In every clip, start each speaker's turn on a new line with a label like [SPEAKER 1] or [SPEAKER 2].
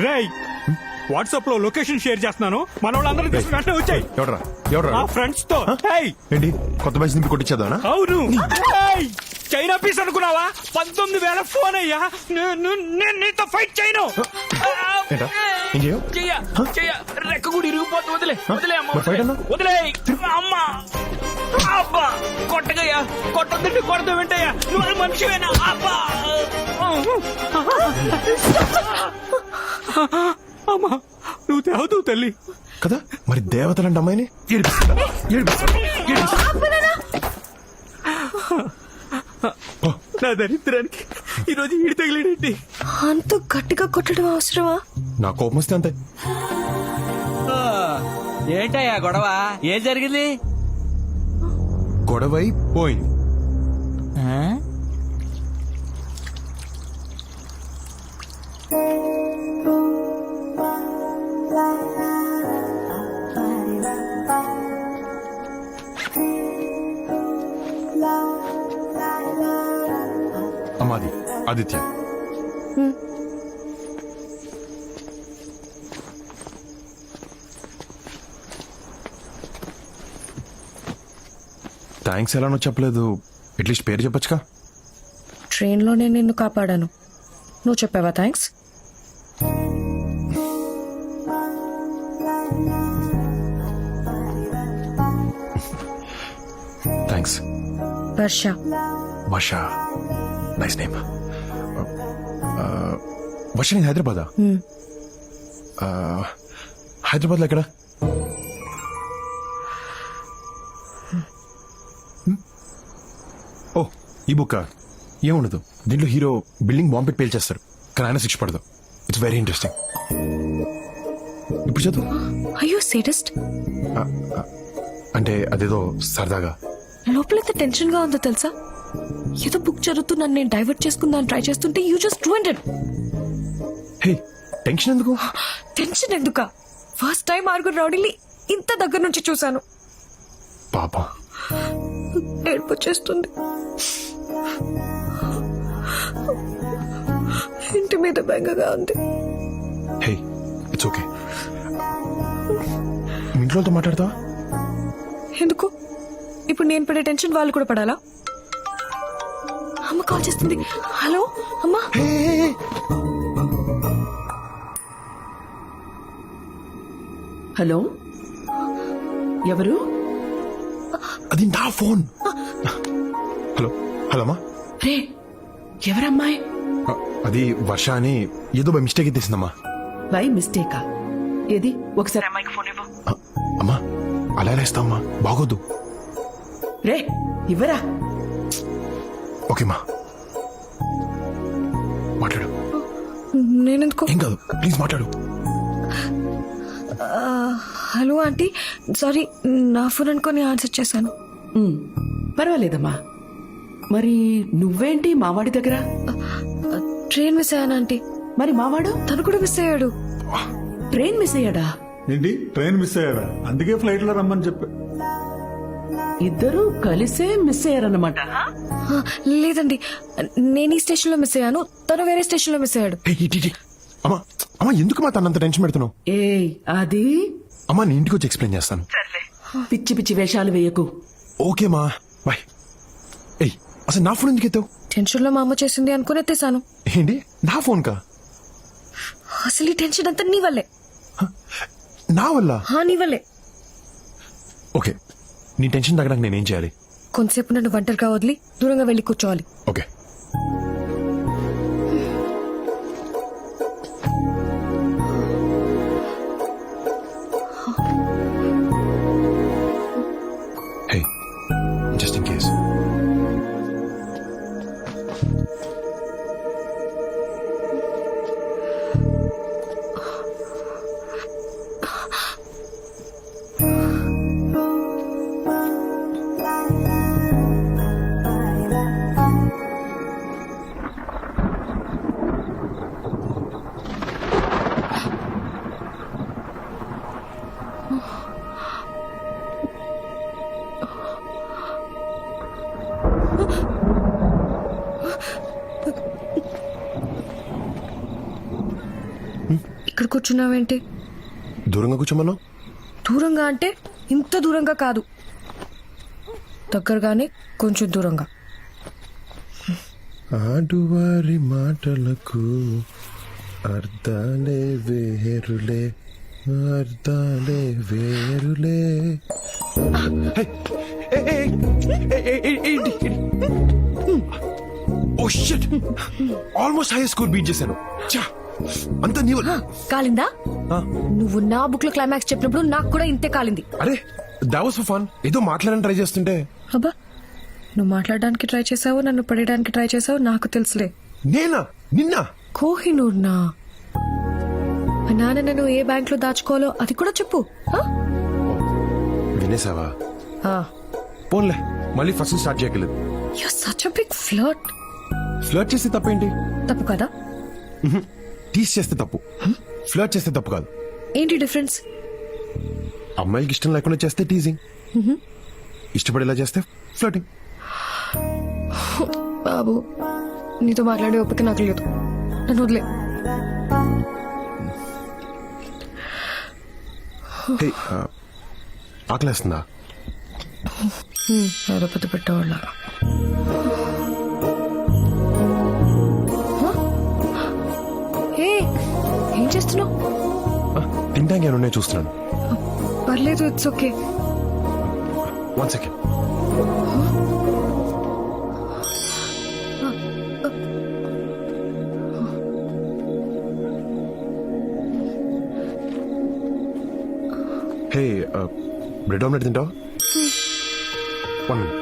[SPEAKER 1] రేయ్ వాట్సాప్ లో location share చేస్తున్నాను, మన వాళ్ళందరూ తీసుకుని వెంటనే వచ్చాయి.
[SPEAKER 2] ఎవడ్రా ఎవడ్రా
[SPEAKER 1] మా ఫ్రెండ్స్ తో. ఏయ్,
[SPEAKER 2] ఏంటి కొత్త బ్యాచ్ నింపి కొట్టించేద్దానా?
[SPEAKER 1] అవును. ఏయ్, చైనా పీస్ అనుకున్నావా? 19,000 ఫోన్ అయ్యా. నేను నీతో ఫైట్ చేయను.
[SPEAKER 2] ఏంటా ఏం చేయవు?
[SPEAKER 3] రెక్క కూడా ఇరిగిపోతుంది. వదిలే వదిలే అమ్మ,
[SPEAKER 2] మరి fight అన్నా?
[SPEAKER 3] వదిలే అమ్మ. అబ్బా కొట్టగయ్యా, కొట్టొద్దంటే కొడతా వెంటయ్యా. నువ్వు మనిషివేనా? అబ్బా
[SPEAKER 1] అమ్మా నువ్వు తేవతావు తల్లి.
[SPEAKER 2] కదా మరి దేవతలంటే అమ్మాయిని ఏడిపిస్తుందా? ఏడిపిస్తుందా?
[SPEAKER 1] నా దరిద్రానికి ఈరోజు ఈడి తగిలేడేంటి?
[SPEAKER 4] అంత గట్టిగా కొట్టడం అవసరమా?
[SPEAKER 2] నా కోపం వస్తే అంతే.
[SPEAKER 3] ఏంటయ్యా గొడవ? ఏం జరిగింది?
[SPEAKER 2] గొడవై పోయింది. అమ్మాది ఆదిత్య. థ్యాంక్స్ ఎలానో చెప్పలేదు, అట్లీస్ట్ పేరు చెప్పొచ్చుగా.
[SPEAKER 4] ట్రైన్ లో నేను నిన్ను కాపాడాను, నువ్వు చెప్పావా thanks?
[SPEAKER 2] Thanks.
[SPEAKER 4] Varsha.
[SPEAKER 2] Varsha, nice name. Varsha నేను హైదరాబాదా? హైదరాబాద్లో ఎక్కడ? ఓ ఈ బుక్ ఏముండదు, దీంట్లో హీరో బిల్డింగ్ బాంబ్ పెట్టి పేల్చేస్తారు, కానీ ఆయన శిక్ష పడదు. It's very interesting. ఇప్పుడు చదువు.
[SPEAKER 4] అయ్యో సేడస్ట్.
[SPEAKER 2] అంటే అదేదో సరదాగా.
[SPEAKER 4] లోపల ఎంత టెన్షన్ గా ఉందో తెలుసా? ఏదో బుక్ చదువుతూ నన్ను నేను డైవర్ట్ చేసుకుందాన్ని ట్రై చేస్తుంటే you just ruined it.
[SPEAKER 2] Hey tension ఎందుకు?
[SPEAKER 4] టెన్షన్ ఎందుక? ఫస్ట్ టైం ఆరుగురు రౌడీని ఇంత దగ్గర నుంచి చూశాను.
[SPEAKER 2] పాపం
[SPEAKER 4] ఏడుపు వచ్చేస్తుంది. ఇంటి మీద బెంగగా ఉంది.
[SPEAKER 2] Hey it's okay. ఇంట్లోతో మాట్లాడతావా?
[SPEAKER 4] ఎందుకు? ఇప్పుడు నేను పడే టెన్షన్ వాళ్ళు కూడా పడాలా? అమ్మ కాల్ చేస్తుంది. హలో అమ్మా.
[SPEAKER 5] హలో ఎవరు?
[SPEAKER 2] అది నా ఫోన్. హలో హలో అమ్మా.
[SPEAKER 5] రే ఎవరమ్మాయి?
[SPEAKER 2] అది వర్ష అని ఏదో బై మిస్టేక్ ఎత్తేసిందమ్మా.
[SPEAKER 5] బై మిస్టేకా? ఏది ఒకసారి అమ్మాయికి ఫోన్ ఇవ్వు.
[SPEAKER 2] అమ్మా అలా ఎలా ఇస్తావమ్మా, బాగోద్దు.
[SPEAKER 5] రే ఇవ్వరా.
[SPEAKER 2] ఓకేమ్మా మాట్లాడు.
[SPEAKER 4] నేనెందుకు?
[SPEAKER 2] ఏం కాదు ప్లీజ్ మాట్లాడు.
[SPEAKER 4] హలో ఆంటీ, సారీ నా ఫోన్ అనుకొని ఆన్సర్ చేశాను.
[SPEAKER 5] పర్వాలేదమ్మా. మరి నువ్వేంటి మావాడి దగ్గర?
[SPEAKER 4] ట్రైన్ మిస్ అయ్యాను ఆంటీ.
[SPEAKER 5] మరి మావాడు?
[SPEAKER 4] తను కూడా మిస్ అయ్యాడు.
[SPEAKER 5] ట్రైన్ మిస్ అయ్యాడా?
[SPEAKER 6] ఏంటి ట్రైన్ మిస్ అయ్యాడా? అందుకే ఫ్లైట్ లో రమ్మని చెప్పా.
[SPEAKER 5] ఇద్దరు కలిసే మిస్ అయ్యారన్నమాట.
[SPEAKER 4] లేదండి, నేను ఈ స్టేషన్ లో మిస్ అయ్యాను, తను వేరే స్టేషన్ లో మిస్ అయ్యాడు.
[SPEAKER 2] అమ్మా అమ్మా ఎందుకు మా తనంత టెన్షన్ పెడుతున్నావు?
[SPEAKER 5] ఏ అది
[SPEAKER 2] అమ్మా నేను ఇంటికి వచ్చి ఎక్స్ప్లెయిన్ చేస్తాను.
[SPEAKER 5] పిచ్చి పిచ్చి వేషాలు వేయకు.
[SPEAKER 2] ఓకేమా బాయ్. ఏయ్ అసలు నా ఫోన్ ఎందుకు ఎత్తావు?
[SPEAKER 4] టెన్షన్ లో మా అమ్మ చేసింది అనుకుని ఎత్తేసాను.
[SPEAKER 2] ఏంటి నా ఫోన్ కా?
[SPEAKER 4] అసలు ఈ టెన్షన్ అంతా నీ వల్లే.
[SPEAKER 2] నా వల్ల?
[SPEAKER 4] నీ వల్లే.
[SPEAKER 2] ఓకే నీ టెన్షన్ తగ్గడానికి నేనేం చేయాలి?
[SPEAKER 4] కొంతసేపు నన్ను ఒంటరిగా వదిలి దూరంగా వెళ్ళి కూర్చోవాలి.
[SPEAKER 2] Okay hey just in case.
[SPEAKER 4] ఇక్కడ కూర్చున్నావేంటి?
[SPEAKER 2] దూరంగా కూర్చోమన్నావు.
[SPEAKER 4] దూరంగా అంటే ఇంత దూరంగా కాదు, దగ్గరగానే కొంచెం దూరంగా.
[SPEAKER 2] ఆడువారి మాటలకు అర్థాలే వేరులే, అర్థాలే వేరులే. Oh shit, almost high score beat చేశాను. ఛా, అంత నీవు.
[SPEAKER 4] కాలిందా? నువ్వు నా బుక్ లో క్లైమాక్స్ చెప్పినప్పుడు నాకు కూడా ఇంతే కాలింది.
[SPEAKER 2] అరే that was for fun. ఏదో మాట్లాడని ట్రై చేస్తుంటే.
[SPEAKER 4] అబ్బా, నువ్వు మాట్లాడడానికి ట్రై చేసావు, నన్ను పడేయడానికి ట్రై చేసావు, నాకు తెలుసులే.
[SPEAKER 2] నేనా? నిన్న
[SPEAKER 4] కోహినూర్ నా మా నాన్న నన్ను ఏ బ్యాంక్ లో దాచుకోవాలో అది కూడా చెప్పు. ఆ?
[SPEAKER 2] వినేసావా?
[SPEAKER 4] ఆ.
[SPEAKER 2] పోన్లే, మళ్ళీ ఫస్ట్ స్టార్ట్ చేయగలదు.
[SPEAKER 4] You're such a big flirt.
[SPEAKER 2] Flirt చేస్తే తప్పేంటి?
[SPEAKER 4] తప్పు కదా?
[SPEAKER 2] టీస్ చేస్తే తప్పు, ఫ్లర్ట్ చేస్తే తప్పు కాదు.
[SPEAKER 4] ఏంటి డిఫరెన్స్?
[SPEAKER 2] అమ్మాయిలకి ఇష్టం లేకుండా చేస్తే టీజింగ్, ఇష్టపడేలా చేస్తే ఫ్లర్టింగ్.
[SPEAKER 4] బాబు, నీతో మాట్లాడే ఓపిక నాకు లేదు, నన్ను వదిలే.
[SPEAKER 2] హే, ఆకలేస్తుందా?
[SPEAKER 4] ఏదో పెద్ద పెట్టేవాళ్ళ. ఏం చేస్తున్నావు?
[SPEAKER 2] తింటానికి ఏమన్నా చూస్తున్నాను.
[SPEAKER 4] పర్లేదు, it's okay.
[SPEAKER 2] 1 second. Hey, bread omelette తింటావా? 1 minute.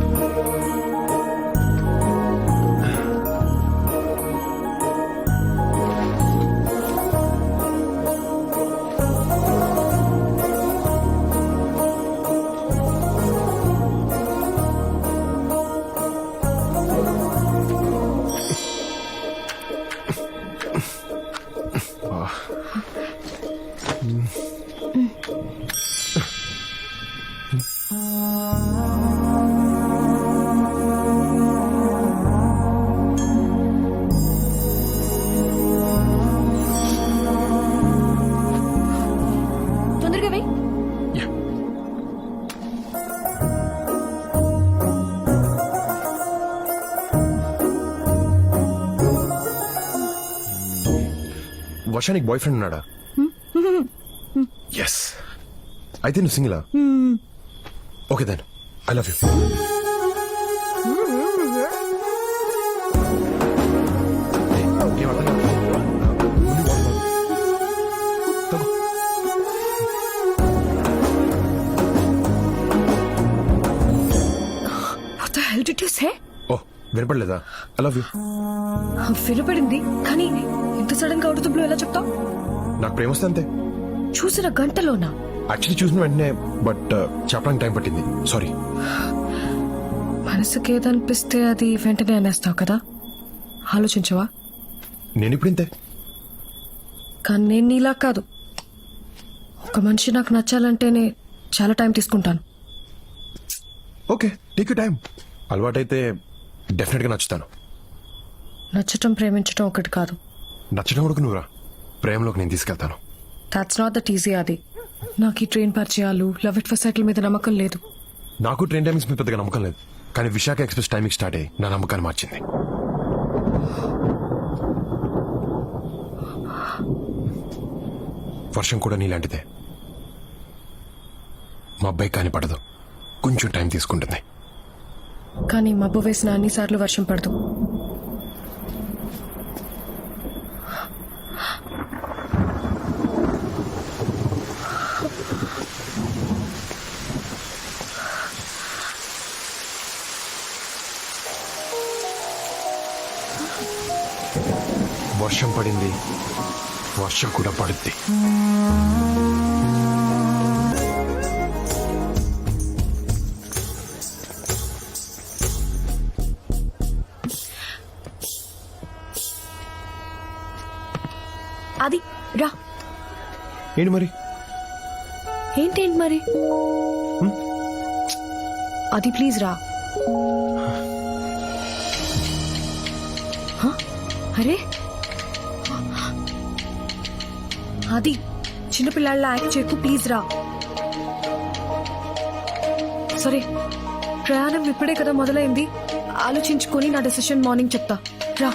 [SPEAKER 4] తొందరగా వెయ్యి.
[SPEAKER 2] Yeah. వర్షానికి బాయ్ ఫ్రెండ్ ఉన్నాడా? ఎస్. అయితే నువ్వు సింగిలా? Okay then, I love you.
[SPEAKER 4] What the hell did you say?
[SPEAKER 2] Oh, వినపడలేదా? I love you.
[SPEAKER 4] వినపడింది, కానీ ఇంత సడన్ గా అవుట్ ఆఫ్ ద బ్లూ ఎలా చెప్తావు?
[SPEAKER 2] నాకు ప్రేమ వస్తే అంతే.
[SPEAKER 4] చూసిన గంటలోనా?
[SPEAKER 2] యాక్చువల్లీ చూసిన వెంటనే, బట్ చెప్పడానికి టైం పట్టింది. సారీ.
[SPEAKER 4] మనసుకి ఏదనిపిస్తే అది వెంటనే అనేస్తావు కదా, ఆలోచించవా?
[SPEAKER 2] నేను ఇప్పుడు ఇంతే.
[SPEAKER 4] కానీ నేను నీలా కాదు. ఒక మనిషి నాకు నచ్చాలంటేనే చాలా టైం తీసుకుంటాను.
[SPEAKER 2] Okay, take you time. అలవాటైతే డెఫినెట్ గా నచ్చుతాను.
[SPEAKER 4] నచ్చటం ప్రేమించటం ఒకటి కాదు.
[SPEAKER 2] నచ్చడం కూడా నువ్వురా, ప్రేమలోకి నేను తీసుకెళ్తాను.
[SPEAKER 4] That's not that easy. అది నాకు ఈ ట్రైన్ పరిచయాలు, లవ్ ఎట్ ఫస్ట్ సైట్ మీద నమ్మకం లేదు.
[SPEAKER 2] నాకు ట్రైన్ టైమింగ్స్ మీద పెద్దగా నమ్మకం లేదు, కానీ విశాఖ ఎక్స్ప్రెస్ టైమింగ్ స్టార్ట్ అయ్యి నా నమ్మకాన్ని మార్చింది. వర్షం కూడా నీలాంటిదే. మా అబ్బాయి కాని పడదు, కొంచెం టైం తీసుకుంటుంది.
[SPEAKER 4] కానీ మబ్బు వేసిన అన్నిసార్లు వర్షం పడదు.
[SPEAKER 2] వర్షం పడింది, వర్షం కూడా పడుద్ది.
[SPEAKER 4] అది రా.
[SPEAKER 2] ఏంటి మరి?
[SPEAKER 4] ఏంటేంటి మరి? అది ప్లీజ్ రా. హ? అరే అది చిన్నపిల్లాళ్ళ యాక్ట్ చేయకు ప్లీజ్ రా. సరే ప్రయాణం ఇప్పుడే కదా మొదలైంది, ఆలోచించుకొని నా డెసిషన్ మార్నింగ్ చెప్తా. రా.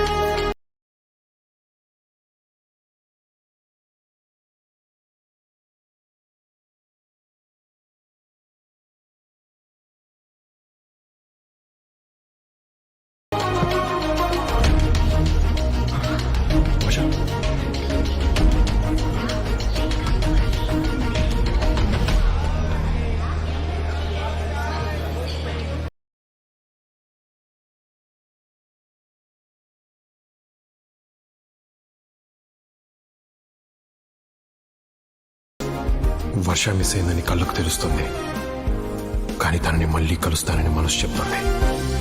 [SPEAKER 2] వర్ష వర్ష మిస్ అయిందని కళ్ళకు తెలుస్తుంది, కానీ తనని మళ్ళీ కలుస్తానని మనసు చెప్తుంది.